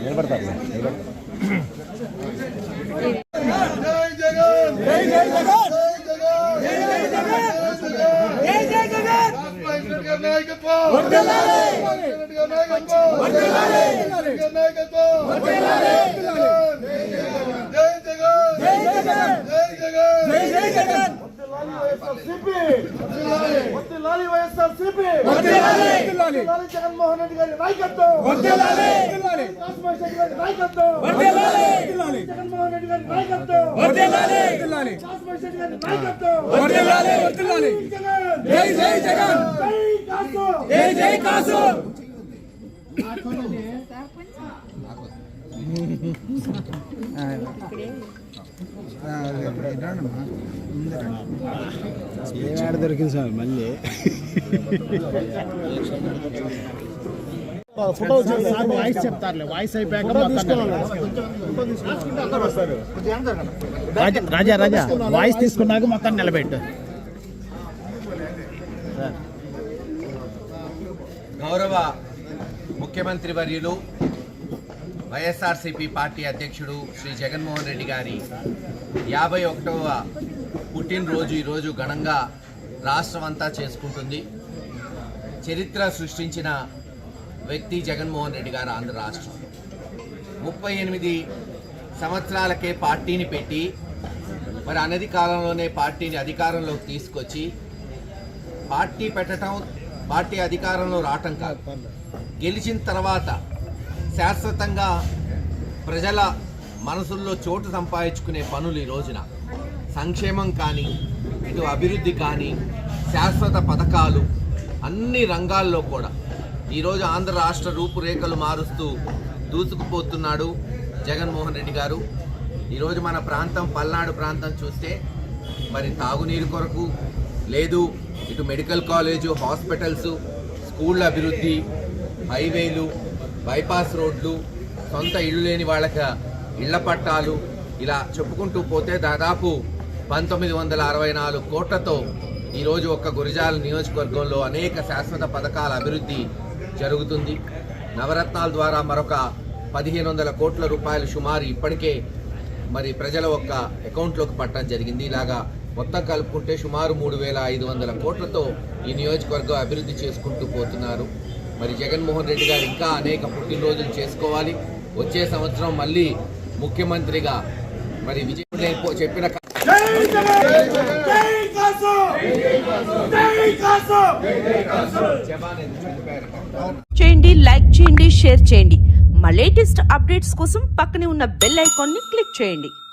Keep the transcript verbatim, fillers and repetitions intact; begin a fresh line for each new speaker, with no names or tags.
నిలబడతారు
జగన్మోహన్ రెడ్డి గారి నాయకత్వం, జగన్మోహన్ రెడ్డి గారి నాయకత్వం, జై జై జగన్, జై జై కాసు.
దొరికింది సార్ మళ్ళీ ఫోటో వాయిస్ చెప్తారులే వాయిస్ అయిపోయాక రాజా రాజా వాయిస్ తీసుకున్నాక మొత్తం నిలబెట్టు.
గౌరవ ముఖ్యమంత్రి వర్యులు వైఎస్ఆర్సీపీ పార్టీ అధ్యక్షుడు శ్రీ జగన్మోహన్ రెడ్డి గారి యాభై ఒకటవ పుట్టినరోజు ఈరోజు ఘనంగా రాష్ట్రమంతా చేసుకుంటుంది. చరిత్ర సృష్టించిన వ్యక్తి జగన్మోహన్ రెడ్డి గారు ఆంధ్ర రాష్ట్రం. ముప్పై ఎనిమిది సంవత్సరాలకే పార్టీని పెట్టి మరి అనతి కాలంలోనే పార్టీని అధికారంలోకి తీసుకొచ్చి పార్టీ పెట్టడం పార్టీ అధికారంలో రావటం కాదు, గెలిచిన తర్వాత శాశ్వతంగా ప్రజల మనసుల్లో చోటు సంపాదించుకునే పనులు ఈ రోజున సంక్షేమం కానీ ఇటు అభివృద్ధి కానీ శాశ్వత పథకాలు అన్ని రంగాల్లో కూడా ఈరోజు ఆంధ్ర రాష్ట్ర రూపురేఖలు మారుస్తూ దూసుకుపోతున్నాడు జగన్మోహన్ రెడ్డి గారు. ఈరోజు మన ప్రాంతం పల్నాడు ప్రాంతం చూస్తే మరి తాగునీరు కొరకు లేదు, ఇటు మెడికల్ కాలేజు, హాస్పిటల్స్, స్కూళ్ళ అభివృద్ధి, హైవేలు, బైపాస్ రోడ్లు, సొంత ఇళ్ళు లేని వాళ్ళకి ఇళ్ల పట్టాలు, ఇలా చెప్పుకుంటూ పోతే దాదాపు పంతొమ్మిది వందల అరవై నాలుగు కోట్లతో ఈరోజు ఒక్క గురజాల నియోజకవర్గంలో అనేక శాశ్వత పథకాల అభివృద్ధి జరుగుతుంది. నవరత్నాల ద్వారా మరొక పదిహేను వందల కోట్ల రూపాయలు సుమారు ఇప్పటికే మరి ప్రజల ఒక్క అకౌంట్లోకి పట్టడం జరిగింది. ఇలాగా మొత్తం కలుపుకుంటే సుమారు మూడు వేల ఐదు వందల కోట్లతో ఈ నియోజకవర్గం అభివృద్ధి చేసుకుంటూ పోతున్నారు. మరి జగన్మోహన్ రెడ్డి గారు ఇంకా అనేక పుట్టినరోజులు చేసుకోవాలి. వచ్చే సంవత్సరం మళ్ళీ ముఖ్యమంత్రిగా మరి విజయ్ చెప్పిన
చేయండి, లైక్ చేయండి, షేర్ చేయండి. మా లేటెస్ట్ అప్డేట్స్ కోసం పక్కనే ఉన్న బెల్ ఐకాన్ ని క్లిక్ చేయండి.